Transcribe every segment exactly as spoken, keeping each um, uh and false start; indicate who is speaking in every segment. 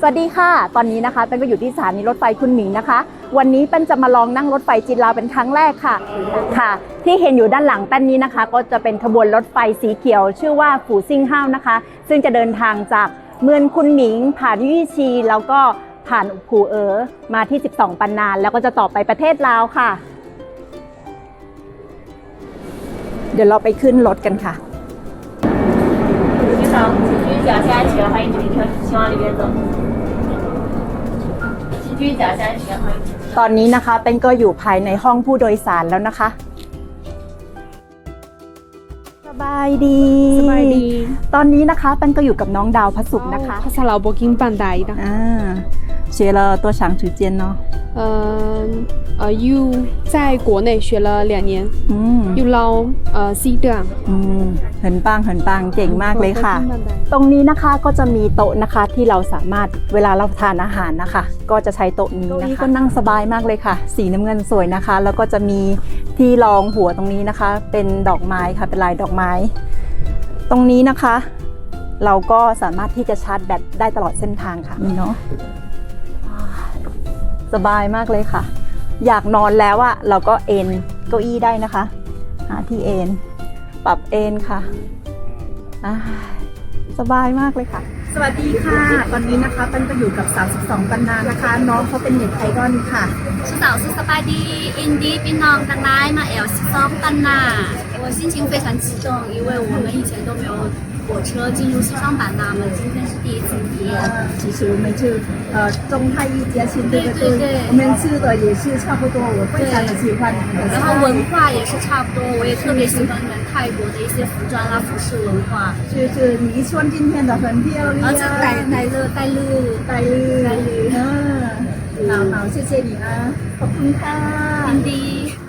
Speaker 1: สวัสดีค่ะตอนนี้นะคะเป็นก็อยู่ที่สถานีรถไฟคุณหมิงนะคะวันนี้เป็นจะมาลองนั่งรถไฟจีนลาวเป็นครั้งแรกค่ะค่ะที่เห็นอยู่ด้านหลังแป้นนี้นะคะก็จะเป็นขบวนรถไฟสีเขียวชื่อว่าฝูซิ่งห้าวนะคะซึ่งจะเดินทางจากเมืองคุณหมิงผ่านยี่ชีแล้วก็ผ่านผูเอ๋อมาที่สิบสองปันนานแล้วก็จะต่อไปประเทศลาวค่ะเดี๋ยวเราไปขึ้นรถกันค่ะ
Speaker 2: 你好，请注意脚下安全，欢迎乘车，请往里边走。请注意脚下安全，欢迎乘车。
Speaker 1: ตอนนี้นะคะเป็นก็อยู่ภายในห้องผู้โดยสารแล้วนะคะสบายดี
Speaker 3: สบายดี
Speaker 1: ตอนนี้นะคะเป็นก็อยู่กับน้องดาวพระสุขนะคะ
Speaker 3: ภาษาลาวบอกกินปันไดนะ
Speaker 1: อ่า学了多长时间呢
Speaker 3: 呃呃 you 在国内学了两年
Speaker 1: อืม
Speaker 3: you เรา呃 四เดือน
Speaker 1: อืมเหินปังเหินปังเก่งมากเลยค่ะตรงนี้นะคะก็จะมีโต๊ะนะคะที่เราสามารถเวลาเราทานอาหารนะคะก็จะใช้โต๊ะนี้นะคะก็นั่งสบายมากเลยค่ะสีน้ำเงินสวยนะคะแล้วก็จะมีที่รองหัวตรงนี้นะคะเป็นดอกไม้ค่ะเป็นลายดอกไม้ตรงนี้นะคะเราก็สามารถที่จะชาร์จแบตได้ตลอดเส้นทางค่ะนี่เนาะสบายมากเลยค่ะอยากนอนแล้วอะเราก็เอนเก้าอี้ได้นะคะหาที่เอนปรับเอนค่ะสบายมากเลยค่ะสวัสดีค่ะตอนนี้นะคะเป็นก็อยู่กับสามสิบสองปันนานะคะน้องเขาเป็นเน็ตไอดอลค่ะ
Speaker 2: 是早是สบายดีอินดี้พี่น้องทั้งหลายมาแอลสิบสองปันนา我心情非常激动因为我们以前都没有火车进入西双版纳，我们今天是第一次体验。
Speaker 1: 其实我们去呃中泰一家亲对
Speaker 2: 对对对，
Speaker 1: 我们吃的也是差不多，我非常的喜欢。
Speaker 2: 然后文化也是差不多，我也特别喜欢你们泰国的一些服装啊、服饰文化。
Speaker 1: 就是你穿今天的很漂亮，
Speaker 2: 而且带带热带绿
Speaker 1: 带绿带绿，嗯，好好谢谢你啊，ขอบคุณค่ะ
Speaker 2: อินดี้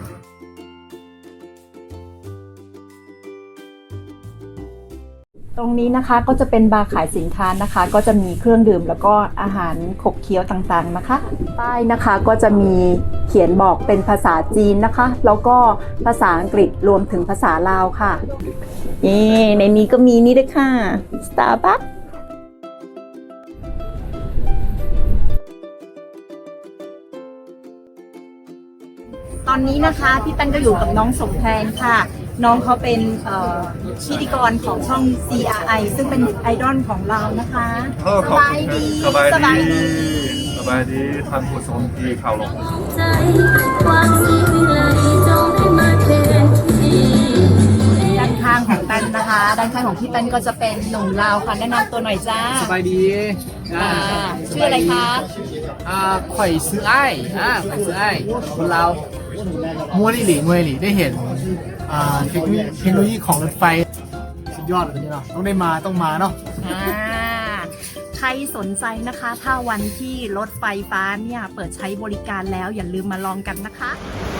Speaker 1: ตรงนี้นะคะก็จะเป็นบาร์ขายสินค้านะคะก็จะมีเครื่องดื่มแล้วก็อาหารขบเคี้ยวต่างๆนะคะป้ายนะคะก็จะมีเขียนบอกเป็นภาษาจีนนะคะแล้วก็ภาษาอังกฤษรวมถึงภาษาลาวค่ะนี่ในนี้ก็มีนี่ด้วยค่ะ Starbucks ตอนนี้นะคะพี่แป้นก็อยู่กับน้องสมแพนค่ะน้องเขาเป็นพิธีกรของช่อง ซี อาร์ ไอ ซึ่งเป็นไอดอลของเรานะคะสบายดี
Speaker 4: สบายดีสบายดีท่านผู้ชมที่ข่าวลง
Speaker 1: ด้านข้างของแป้นนะคะด้านข้างของพี่แป้นก็จะเป็นหนุ่มลาวค่ะแนะนำตัวหน่อยจ้า
Speaker 5: สบายดี
Speaker 1: ชื่ออะไรคะ
Speaker 5: อ่าข่อยซื้อไอ้อ่าข่อยซื้อไอ้คนเรามัวหลีมัวหลีได้เห็นอ่าเทคโนโลยีเทคโนโลยีของรถไฟสุดยอดเลยนี่เนาะต้องได้มาต้องมาเนาะ
Speaker 1: ใครสนใจนะคะถ้าวันที่รถไฟฟ้าเนี่ยเปิดใช้บริการแล้วอย่าลืมมาลองกันนะคะ